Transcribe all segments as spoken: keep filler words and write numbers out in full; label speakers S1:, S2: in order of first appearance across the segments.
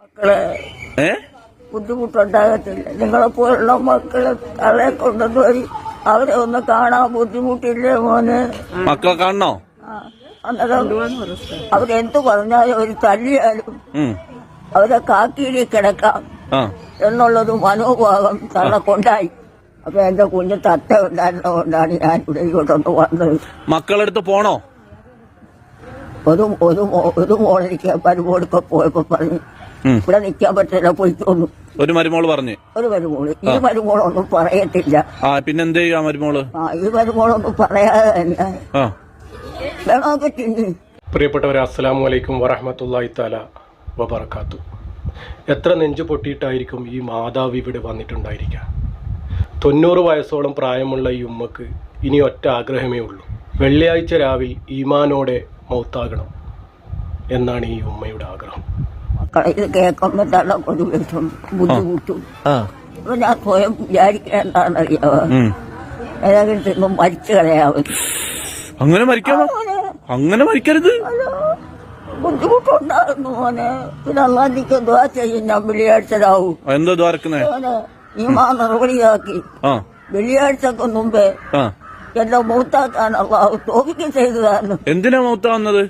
S1: മക്കളെ ബുദ്ധിമുട്ടുണ്ടാകത്തില്ല. നിങ്ങളെപ്പോലുള്ള മക്കളെ തളെ കൊണ്ടുവന്ന് വഴി അവരെ ഒന്ന് കാണാൻ ബുദ്ധിമുട്ടില്ലേ മോനെ?
S2: മക്കളെ കാണണോ?
S1: അന്നേരം അവരെന്തു പറഞ്ഞാലും ഒരു തല്ലിയാലും അവരെ കാക്കിയിടി കിടക്കാം എന്നുള്ളൊരു മനോഭാവം തള്ളക്കൊണ്ടായി. അപ്പൊ എന്റെ കുഞ്ഞ് തത്ത ഉണ്ടായിരുന്നതുകൊണ്ടാണ് ഞാൻ ഇവിടെ ഇങ്ങോട്ടൊന്ന് വന്നത്.
S2: മക്കളെടുത്ത് പോണോ?
S1: ഒരു ഒരു ഒരു മോളെനിക്ക് മരുമോളൊക്കെ പോയപ്പോ പറഞ്ഞു ഇവിടെ നിൽക്കാൻ പറ്റില്ല, പോയിക്കൊന്നു. ഒരു
S2: മരുമോള് പറഞ്ഞു
S1: ഒരു മരുമോള് ഈ മരുമോളൊന്നും പറയത്തില്ല.
S2: പിന്നെന്ത് ചെയ്യാ മരുമോള്?
S1: ആ ഈ മരുമോളൊന്നും പറയാതെ തന്നെ വേണോ പറ്റില്ല.
S3: പ്രിയപ്പെട്ടവരെ, അസ്സലാമു അലൈക്കും വറഹ്മത്തുള്ളാഹി തആല വബറകാത്തു. എത്ര നെഞ്ചു പൊട്ടിയിട്ടായിരിക്കും ഈ മാതാവ് ഇവിടെ വന്നിട്ടുണ്ടായിരിക്കുക. തൊണ്ണൂറ് വയസ്സോളം പ്രായമുള്ള ഈ ഉമ്മക്ക് ഇനി ഒറ്റ ആഗ്രഹമേ ഉള്ളൂ. വെള്ളിയാഴ്ച രാവിൽ ഈമാനോടെ മൗത്താകണം എന്നാണ് ഈ ഉമ്മയുടെ ആഗ്രഹം.
S1: മക്കളെ ഇത് കേൾക്കുമ്പോൾ തള്ള ഒരു വിഷം ബുദ്ധിമുട്ടും. അപ്പൊ ഞാൻ സ്വയം വിചാരിക്കേണ്ടാണെന്നറിയാവോ, ഏതെങ്കിലും തിന്നും മരിച്ചു കളയാവും.
S2: അങ്ങനെ മരിക്കാമോ? അങ്ങനെ മരിക്കരുത്.
S1: ബുദ്ധിമുട്ടുണ്ടായിരുന്നു മോനെ. പിന്നെ അള്ളാഹിക്ക് ദ്വാ ചെയ്യും. ഞാൻ വെള്ളിയാഴ്ചരാവും
S2: എന്താ ദ്വാരക്കുന്നേ?
S1: ഈ മാ നടപടിയാക്കി വെള്ളിയാഴ്ചക്ക് മുമ്പേ എന്റെ മൂത്താക്കാൻ അള്ളാഹു തോപിക്ക് ചെയ്തതാണ്.
S2: എന്തിനാ മൂത്താവുന്നത്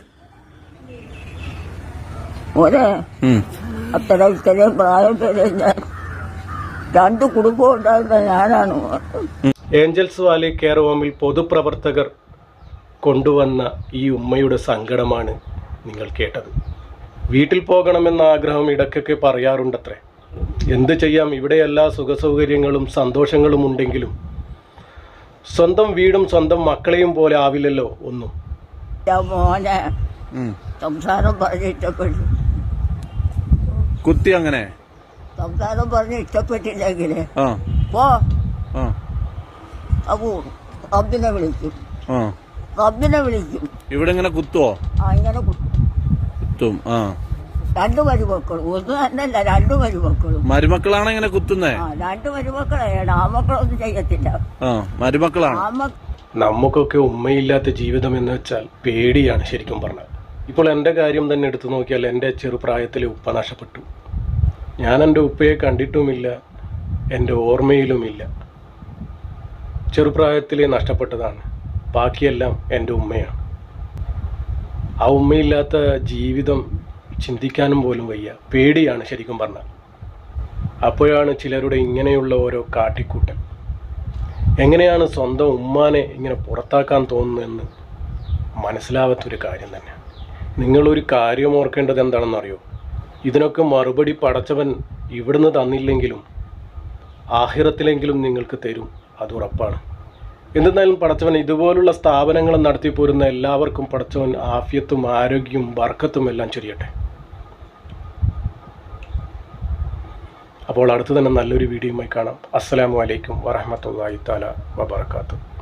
S1: മോനെ? അത്ര ഇത്രയും പ്രായം വരെ ഞാൻ രണ്ടു കുടുംബം ഉണ്ടായിരുന്ന ഞാനാണ്.
S3: ഏഞ്ചൽസ് വാലി കെയർ ഹോമിൽ പൊതുപ്രവർത്തകർ കൊണ്ടുവന്ന ഈ ഉമ്മയുടെ സങ്കടമാണ് നിങ്ങൾ കേട്ടത്. വീട്ടിൽ പോകണമെന്ന ആഗ്രഹം ഇടയ്ക്കൊക്കെ പറയാറുണ്ടത്രേ. എന്ത് ചെയ്യാം, ഇവിടെ എല്ലാ സുഖസൗകര്യങ്ങളും സന്തോഷങ്ങളും ഉണ്ടെങ്കിലും സ്വന്തം വീടും സ്വന്തം മക്കളെയും പോലെ ആവില്ലല്ലോ ഒന്നും.
S1: മോനെ സംസാരം പറഞ്ഞ് ഇഷ്ടപ്പെട്ടു
S2: കുത്തി. അങ്ങനെ
S1: സംസാരം പറഞ്ഞ് ഇഷ്ടപ്പെട്ടില്ലെങ്കിലേ പോ അപ്പോ റബ്ബിനെ വിളിക്കും. റബ്ബിനെ വിളിക്കും.
S2: ഇവിടെ ഇങ്ങനെ കുത്തുവോ?
S1: ആ ഇങ്ങനെ കുത്തും.
S2: ആ
S1: രണ്ടു മരുമക്കളും ഒന്നും തന്നെയല്ല, രണ്ടു മരുമക്കളും.
S2: മരുമക്കളാണ് ഇങ്ങനെ കുത്തുന്നേ?
S1: രണ്ടു മരുമക്കളെയാണ്. ആ മക്കളൊന്നും ചെയ്യത്തില്ല.
S2: മരുമക്കളാണ്.
S3: നമുക്കൊക്കെ ഉമ്മയില്ലാത്ത ജീവിതം എന്ന് വെച്ചാൽ പേടിയാണ് ശരിക്കും പറഞ്ഞാൽ. ഇപ്പോൾ എൻ്റെ കാര്യം തന്നെ എടുത്തു നോക്കിയാൽ എൻ്റെ ചെറുപ്രായത്തിലെ ഉപ്പ നഷ്ടപ്പെട്ടു. ഞാൻ എൻ്റെ ഉപ്പയെ കണ്ടിട്ടുമില്ല, എൻ്റെ ഓർമ്മയിലുമില്ല. ചെറുപ്രായത്തിലെ നഷ്ടപ്പെട്ടതാണ്. ബാക്കിയെല്ലാം എൻ്റെ ഉമ്മയാണ്. ആ ഉമ്മയില്ലാത്ത ജീവിതം ചിന്തിക്കാനും പോലും വയ്യ. പേടിയാണ് ശരിക്കും പറഞ്ഞാൽ. അപ്പോഴാണ് ചിലരുടെ ഇങ്ങനെയുള്ള ഓരോ കാട്ടിക്കൂട്ടൽ. എങ്ങനെയാണ് സ്വന്തം ഉമ്മാനെ ഇങ്ങനെ പുറത്താക്കാൻ തോന്നുന്നതെന്ന് മനസ്സിലാവാത്തൊരു കാര്യം തന്നെ. നിങ്ങളൊരു കാര്യം ഓർക്കേണ്ടത് എന്താണെന്നറിയോ? ഇതിനൊക്കെ മറുപടി പടച്ചവൻ ഇവിടുന്ന് തന്നില്ലെങ്കിലും ആഖിറത്തിലെങ്കിലും നിങ്ങൾക്ക് തരും, അത് ഉറപ്പാണ്. എന്തെന്നാലും പടച്ചവൻ ഇതുപോലുള്ള സ്ഥാപനങ്ങൾ നടത്തി പോരുന്ന എല്ലാവർക്കും പടച്ചവൻ ആഫിയത്തും ആരോഗ്യവും ബർക്കത്തും എല്ലാം ചൊരിയട്ടെ. അപ്പോൾ അടുത്ത് തന്നെ നല്ലൊരു വീഡിയോയുമായി കാണാം. അസ്സലാമു അലൈക്കും വറഹ്മത്തുള്ളാഹി തആല വബറകാതുഹു.